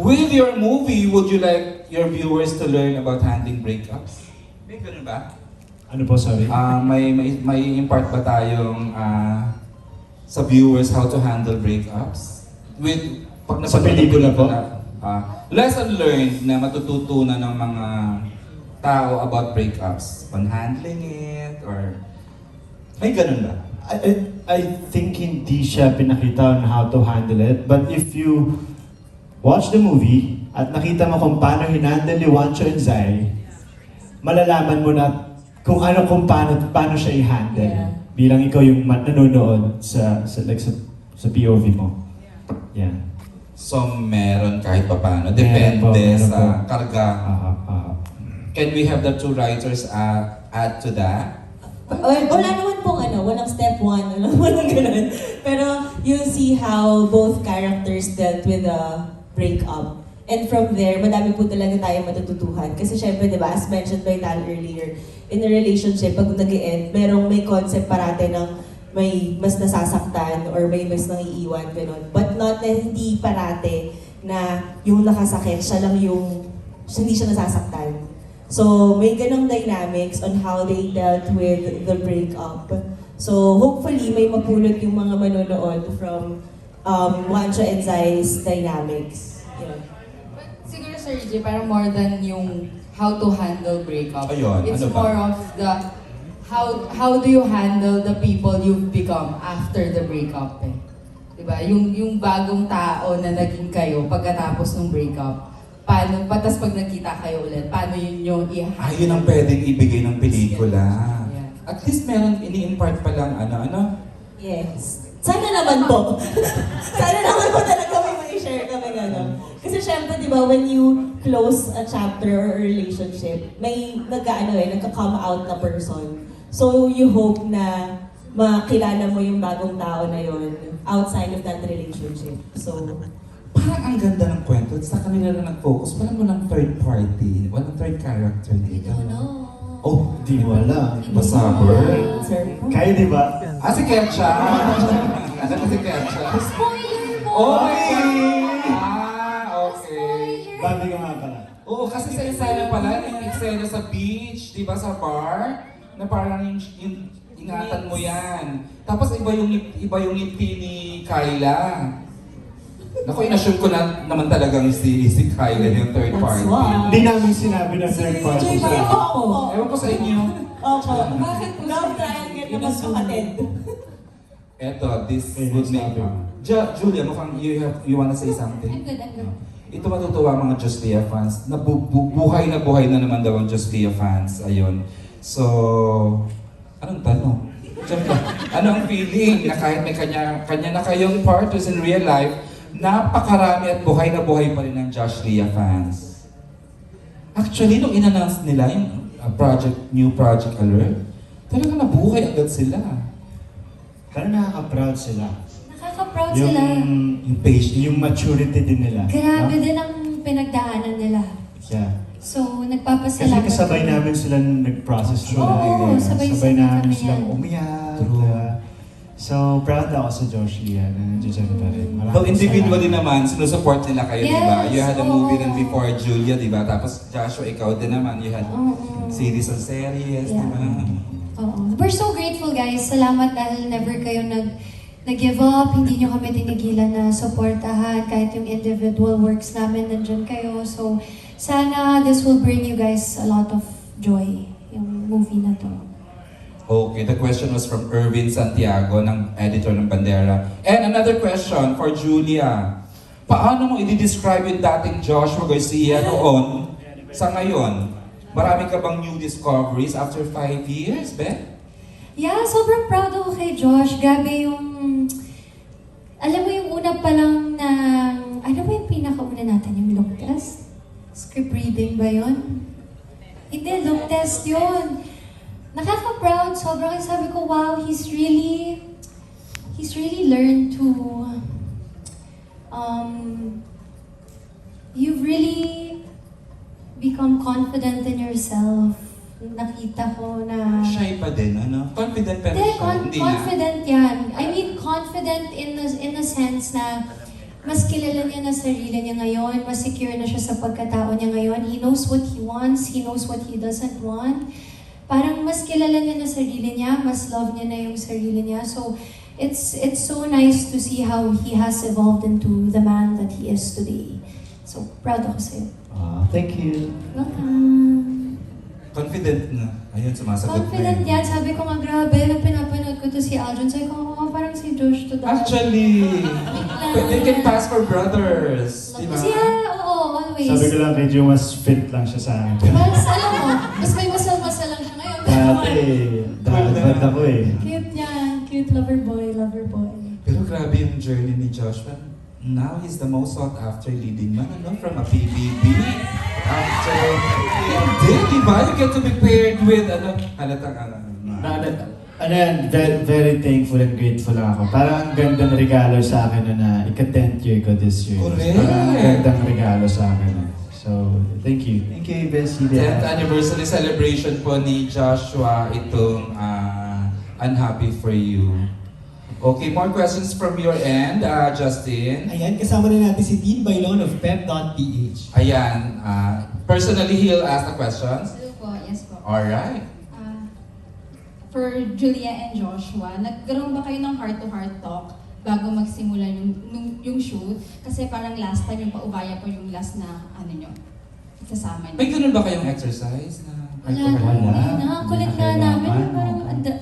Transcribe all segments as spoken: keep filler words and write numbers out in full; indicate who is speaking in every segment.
Speaker 1: With your movie, would you like your viewers to learn about handling breakups? May ganun ba?
Speaker 2: Ano po, sorry?
Speaker 1: Ah, may, may, may impart ba tayong ah, sa viewers how to handle breakups? With, pag
Speaker 2: Sa
Speaker 1: napanood
Speaker 2: pelikula
Speaker 1: ko
Speaker 2: po?
Speaker 1: na, ah, lesson learned na matututunan ng mga tao about breakups. On handling it, or may ganun ba?
Speaker 2: I, I, I think hindi siya pinakita on how to handle it. But if you watch the movie at nakita mo kung paano hinandle ni Wancho and Zai, malalaman mo na kung ano kung paano, paano siya i-handle.
Speaker 3: Yeah.
Speaker 2: Bilang ikaw yung man- nanonood sa, sa, like, sa, sa P O V mo. Yeah.
Speaker 1: So, meron kahit pa paano.
Speaker 2: Meron
Speaker 1: Depende
Speaker 2: po, meron
Speaker 1: sa
Speaker 2: po.
Speaker 1: karga.
Speaker 2: Ah, ah, ah.
Speaker 1: Can we have the two writers uh, add to that?
Speaker 3: Or, wala naman pong ano, walang step one, walang, walang ganun. Pero you'll see how both characters dealt with the breakup. And from there, madami po talaga tayo matututuhan. Kasi syempre, di ba, as mentioned by Tal earlier, in a relationship, pag nag-e-end, merong may concept parate ng may mas nasasaktan or may mas nangiiwan, ganun. But not na hindi parate na yung nakasakit, siya lang yung, hindi siya nasasaktan. So, may ganong dynamics on how they dealt with the breakup. So, hopefully, may mapulot yung mga manonood from um, Wancho and Zai's dynamics. Yun.
Speaker 4: But siguro, Sir J, parang more than yung how to handle breakup.
Speaker 1: Ayun,
Speaker 4: It's
Speaker 1: ano ba?
Speaker 4: more of the how how do you handle the people you've become after the breakup eh. Diba? Yung, yung bagong tao na naging kayo pagkatapos ng breakup. Paano, patas pag nagkita kayo ulit, paano yun yung i-handle?
Speaker 1: Ah, yun ang pwedeng ibigay ng pelikula.
Speaker 4: Yeah.
Speaker 1: At least meron ini-impart pa lang ano, ano?
Speaker 3: Yes. Sana naman po. Sana naman po talaga may mai-share kami gano'n. Kasi syempre, di ba, when you close a chapter or a relationship, may nagka-ano eh, nagka-come out na person. So, you hope na makilala mo yung bagong tao na yon outside of that relationship. So,
Speaker 1: Parang ang ganda ng kwento. Sa kanila na nag-focus. Walang walang third party. Walang third character dito. Oh,
Speaker 2: Di mo alam.
Speaker 1: Basaber.
Speaker 3: sir.
Speaker 2: Kayo di ba?
Speaker 1: Ah, si Ketcha. Ano si Ketcha?
Speaker 4: Spoiler mo!
Speaker 1: Okay! Ah, okay.
Speaker 2: Babi ka nga pala.
Speaker 1: Oo, kasi sa eksena pala, yung eksena sa beach, di ba, sa bar, na parang yung, yung ingatan mo yan. Tapos iba yung iba yung ngiti ni Kyla. Naku, inassume ko na naman talagang si, si Kyla yung third
Speaker 3: That's
Speaker 1: party.
Speaker 3: why.
Speaker 2: Hindi namin sinabi na third party
Speaker 3: Jay,
Speaker 2: siya.
Speaker 3: Opo.
Speaker 1: Ewan ko sa inyo.
Speaker 3: Opo. Bakit po? Love triangle na mas kapatid.
Speaker 1: Eto, this
Speaker 2: Eh,
Speaker 1: would make...
Speaker 2: sabi.
Speaker 1: Ja, Julia, mukhang you have you wanna say
Speaker 4: I'm
Speaker 1: something?
Speaker 4: good, I'm good.
Speaker 1: Ito matutuwa mga Justia fans. Na bu- bu- buhay na buhay na naman daw ang Justia fans. Ayun. So, anong tanong? Siyempre, ano ang feeling na kahit may kanya, kanya na kayong partners in real life, napakarami at buhay na buhay pa rin ng Josh Lia fans. Actually, nung in-announce nila yung uh, project, new project alert, talagang nabuhay agad sila.
Speaker 2: Parang nakaka-proud sila.
Speaker 5: Nakaka-proud
Speaker 2: Yung,
Speaker 5: sila.
Speaker 1: Yung patient.
Speaker 2: yung maturity din nila.
Speaker 5: Grabe
Speaker 2: No?
Speaker 5: din ang pinagdaanan nila.
Speaker 2: Yeah.
Speaker 5: So,
Speaker 2: Kasi
Speaker 5: nagpapasalamat.
Speaker 2: kasabay
Speaker 5: kami.
Speaker 2: namin sila nag-process through
Speaker 5: Oo,
Speaker 2: the
Speaker 5: sabay-sabay
Speaker 2: Sabay namin
Speaker 5: kami
Speaker 2: silang
Speaker 5: yan.
Speaker 2: umiyak.
Speaker 1: True.
Speaker 2: uh, so, proud ako sa Josh Lia na nandiyan pa rin. Maraming
Speaker 1: Though individually
Speaker 2: salamat.
Speaker 1: naman, sinusupport nila kayo, di ba?
Speaker 5: Yes,
Speaker 1: You had a
Speaker 5: oo.
Speaker 1: movie rin before Julia, di ba? Tapos Joshua, ikaw din naman. You had
Speaker 5: Oo.
Speaker 1: series on series, di
Speaker 5: Yeah.
Speaker 1: ba?
Speaker 5: Oo. We're so grateful, guys. Salamat dahil never kayo nag nag-give up. Hindi nyo kami tinigilan na supportahan. Kahit yung individual works namin, nandyan kayo. So, sana this will bring you guys a lot of joy, yung movie na to.
Speaker 1: Okay, the question was from Erwin Santiago, ng editor ng Bandera. And another question for Julia. Paano mo i-describe yung dating Joshua Garcia noon sa ngayon? Marami ka bang new discoveries after five years, Beth?
Speaker 5: Yeah, sobrang proud ako kay Josh. Grabe yung... Alam mo yung una pa lang na... Ano ba yung pinakauna natin? Yung look test? Script reading ba yun? Hindi, look test yun. Nakaka-proud. Sobrang sabi ko, wow, he's really... He's really learned to... Um... You've really become confident in yourself. Nakita ko na...
Speaker 1: Shy pa din, ano? Confident pero
Speaker 5: Hindi,
Speaker 1: shy.
Speaker 5: con-
Speaker 1: Hindi na.
Speaker 5: confident yan. I mean, confident in the, in the sense na mas kilala niya na sarili niya ngayon, mas secure na siya sa pagkatao niya ngayon. He knows what he wants, he knows what he doesn't want. Parang mas kilala niya na sarili niya, mas love niya na yung sarili niya. So, it's it's so nice to see how he has evolved into the man that he is today. So, proud ako sa'yo.
Speaker 2: Ah, thank you.
Speaker 5: Welcome.
Speaker 1: Confident na. Ayun, sumasagot
Speaker 5: Confident
Speaker 1: na.
Speaker 5: yan. Sabi ko nga, grabe, nung pinapanood ko to si Aldrin, sabi ko, oh, parang si Josh to dati.
Speaker 1: Actually, they can pass for brothers. Di ba?
Speaker 5: Kasi yeah, oo, always.
Speaker 2: Sabi ko lang, medyo mas fit lang siya sa akin.
Speaker 5: Mas, alam mo, mas may masal-masal lang siya ngayon.
Speaker 2: Dati, dahil bad ako eh.
Speaker 5: Cute niyan. Cute lover boy, lover boy.
Speaker 1: Pero grabe yung journey ni Joshua. Now he's the most sought after leading man, ano, from a P B B. After, hindi, di ba? You get to be paired with, ano, halatang, ano,
Speaker 2: Na, na, ano yan, very, very thankful and grateful lang ako. Parang ang gandang regalo sa akin na, na ika-tenth year ko this year.
Speaker 1: Correct.
Speaker 2: Parang ang gandang regalo sa akin. eh. So, thank you. Thank you, Bessie.
Speaker 1: tenth anniversary celebration po ni Joshua itong ah, Unhappy For You. Okay, more questions from your end, uh, Justin.
Speaker 6: Ayan, kasama na natin si Dean Bailon of pep dot p h.
Speaker 1: Ayan, uh, personally he'll ask the questions.
Speaker 7: Hello po, yes po.
Speaker 1: Alright.
Speaker 7: Ah, for Julia and Joshua, nagkaroon ba kayo ng heart-to-heart talk bago magsimula yung, yung, yung shoot? Kasi parang last time yung paubaya po yung last na ano nyo, kasama nyo.
Speaker 1: May ganun ba kayong exercise na
Speaker 5: Wala,
Speaker 2: Wala.
Speaker 5: hindi na. Kulit nga namin.
Speaker 2: Kailangan.
Speaker 5: Parang, anda,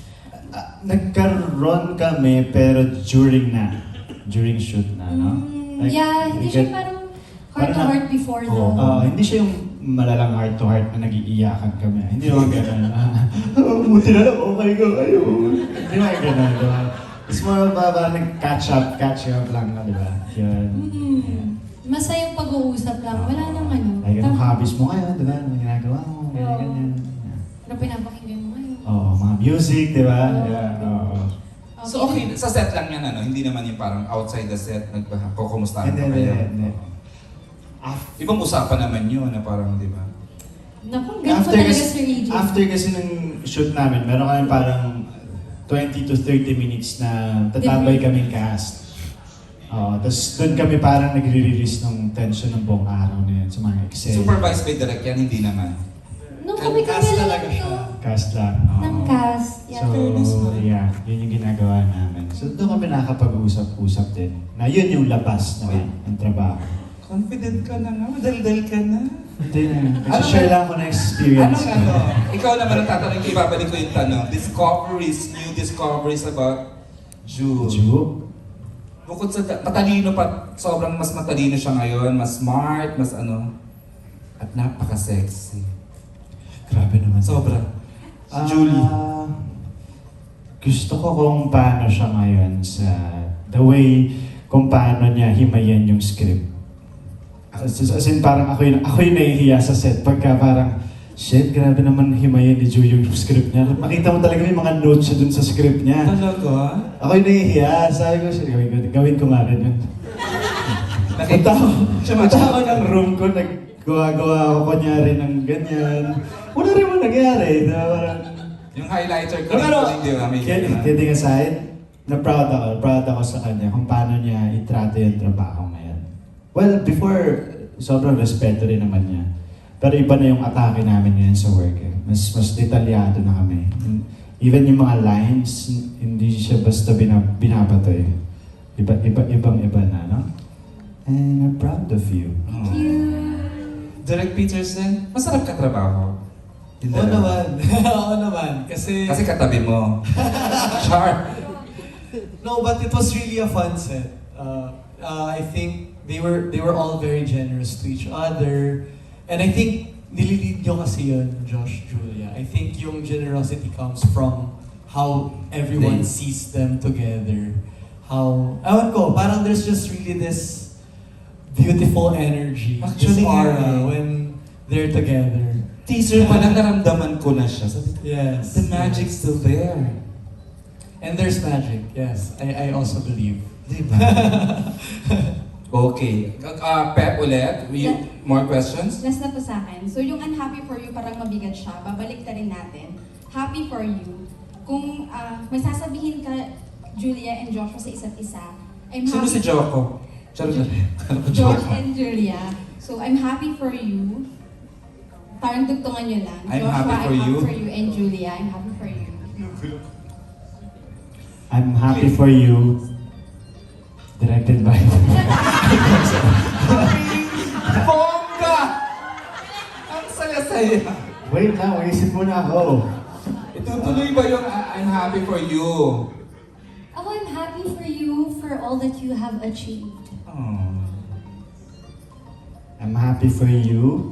Speaker 2: Ah, nagkaroon kami pero during na. During shoot na, no?
Speaker 5: Mm,
Speaker 2: Like,
Speaker 5: yeah,
Speaker 2: we
Speaker 5: hindi siya
Speaker 2: get-
Speaker 5: parang heart to
Speaker 2: parang-
Speaker 5: heart before the...
Speaker 2: Oo. Ah, hindi siya yung malalang heart to heart na nag-iiyakan kami. Hindi naman gano'n. Ah, buti na lang, okay ko kayo. Hindi naman gano'n, di ba? It's more of a parang nag-catch up, catch up lang na, di ba? Yun.
Speaker 5: Mm, masayang pag-uusap lang. Wala nang ano.
Speaker 2: Like, anong
Speaker 5: Tam-
Speaker 2: hobbies mo ngayon, di ba? Anong ginagawa mo, ganyan,
Speaker 5: Oo.
Speaker 2: ganyan.
Speaker 5: Ano pinapakinggan mo ngayon?
Speaker 2: Oo, mga music, di ba?
Speaker 5: Oo.
Speaker 2: Yeah, oo.
Speaker 1: So okay, sa set lang yan ano, hindi naman yung parang outside the set, nagkukumustahan
Speaker 2: Hindi,
Speaker 1: pa
Speaker 2: hindi,
Speaker 1: kayo.
Speaker 2: hindi.
Speaker 1: Ibang usapan naman yun na parang, di ba?
Speaker 5: Naku, ganun po
Speaker 2: After
Speaker 5: talaga
Speaker 2: kasi,
Speaker 5: Sir A J.
Speaker 2: after kasi ng shoot namin, meron kami parang twenty to thirty minutes na tatambay kaming cast. Oo, tapos doon kami parang nagre-release ng tension ng buong araw na yun sa mga Excel.
Speaker 1: Supervised by direct yan, hindi naman.
Speaker 5: Nung kami
Speaker 6: Cast
Speaker 5: kami
Speaker 6: talaga
Speaker 5: lang
Speaker 6: siya.
Speaker 5: to.
Speaker 2: Cast lang. oo.
Speaker 5: Ng cast. Yeah,
Speaker 2: So,
Speaker 5: fairness mo.
Speaker 2: yeah, yun yung ginagawa namin. So, doon kami nakakapag-usap-usap din. Na yun yung labas na ng trabaho.
Speaker 1: Confident ka na nga, madaldal ka na.
Speaker 2: Hindi na.
Speaker 1: Ano
Speaker 2: share
Speaker 1: ba-
Speaker 2: lang ako ng experience
Speaker 1: Anong ano? Ikaw naman ang tatanong ko, ibabalik ko yung tanong. Discoveries, new discoveries about Jude.
Speaker 2: Ju?
Speaker 1: Bukod sa matalino pa, sobrang mas matalino siya ngayon, mas smart, mas ano, at napaka-sexy.
Speaker 2: Grabe naman.
Speaker 1: Sobra. Si
Speaker 2: Ah,
Speaker 1: Julie.
Speaker 2: Gusto ko kung paano siya ngayon sa the way kung paano niya himayan yung script. As, as in parang ako yung, ako yung nahihiya sa set pagka parang shit, grabe naman himayan ni Ju yung script niya. Makita mo talaga yung mga notes siya dun sa script niya.
Speaker 1: Talaga?
Speaker 2: Ako yung nahihiya. Sabi ko, "Sige, gawin, ko- gawin ko nga rin yun." Punta ako, punta ako ng room ko, naggawa-gawa ako kunyari ng ganyan. Wala rin mo nangyari. Na parang,
Speaker 1: Yung highlighter ko,
Speaker 2: pero,
Speaker 1: hindi ba? May
Speaker 2: kidding, kidding aside, na proud ako, proud ako sa kanya kung paano niya itrato yung trabaho ngayon. Well, before, sobrang respeto rin naman niya. Pero iba na yung atake namin ngayon sa work. Eh. Mas mas detalyado na kami. Even yung mga lines, hindi siya basta binab binabato eh. Iba, iba, ibang iba na, no? And I'm proud of you.
Speaker 1: Oh. Derek Peterson, masarap ka trabaho. Hindi
Speaker 6: Oo
Speaker 1: naman.
Speaker 6: naman. Oo naman. Kasi,
Speaker 1: Kasi katabi mo. Char.
Speaker 6: no, but it was really a fun set. Uh, uh, I think they were they were all very generous to each other. And I think nililid nyo kasi yun, Josh, Julia. I think yung generosity comes from how everyone
Speaker 1: They-
Speaker 6: sees them together. How, ewan ko, parang there's just really this beautiful energy,
Speaker 1: Actually,
Speaker 6: this aura
Speaker 1: yeah.
Speaker 6: when they're together.
Speaker 1: Teaser pa lang naramdaman ko na siya. Sabi ko,
Speaker 6: Yes.
Speaker 1: the magic's still there.
Speaker 6: And there's magic, yes. I, I also believe.
Speaker 1: Diba? Okay. Uh, Pep ulit. We, more questions?
Speaker 7: Last na po sa akin. So yung unhappy for you parang mabigat siya. Babalik na rin natin. Happy for you. Kung ah, may sasabihin ka, Julia and Joshua sa isa't isa, I'm
Speaker 1: Sino
Speaker 7: happy.
Speaker 1: si Joko? Charot na rin. Ano ko,
Speaker 7: Josh
Speaker 1: joke?
Speaker 7: and Julia. So, I'm happy for you. Parang tugtungan nyo lang.
Speaker 1: I'm
Speaker 7: Joshua,
Speaker 1: happy for
Speaker 7: I'm
Speaker 1: you.
Speaker 7: happy for you. And Julia, I'm happy for you.
Speaker 2: I'm happy for you. Directed by...
Speaker 1: Bongga! Ang saya-saya.
Speaker 2: Wait lang, maisip muna ako.
Speaker 1: Itutuloy ba yung I- I'm happy for you?
Speaker 5: Ako, I'm happy for you for all that you have achieved.
Speaker 1: Oh.
Speaker 2: I'm happy for you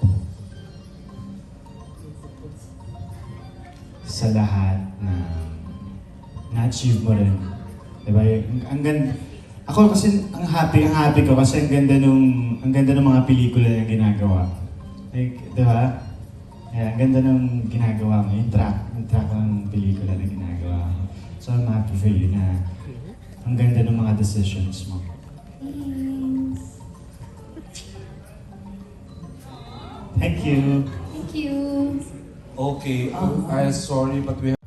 Speaker 2: sa lahat na na-achieve mo rin. Diba? Yung- Ang ganda. Ako kasi ang happy, ang happy ko kasi ang ganda nung ang ganda ng mga pelikula na ginagawa. Like, diba? Yeah, ang ganda ng ginagawa mo, yung track, yung track ng pelikula na ginagawa mo. So I'm happy for you na ang ganda ng mga decisions mo.
Speaker 5: Thanks.
Speaker 2: Thank you.
Speaker 5: Thank you.
Speaker 1: Okay, I'm sorry but we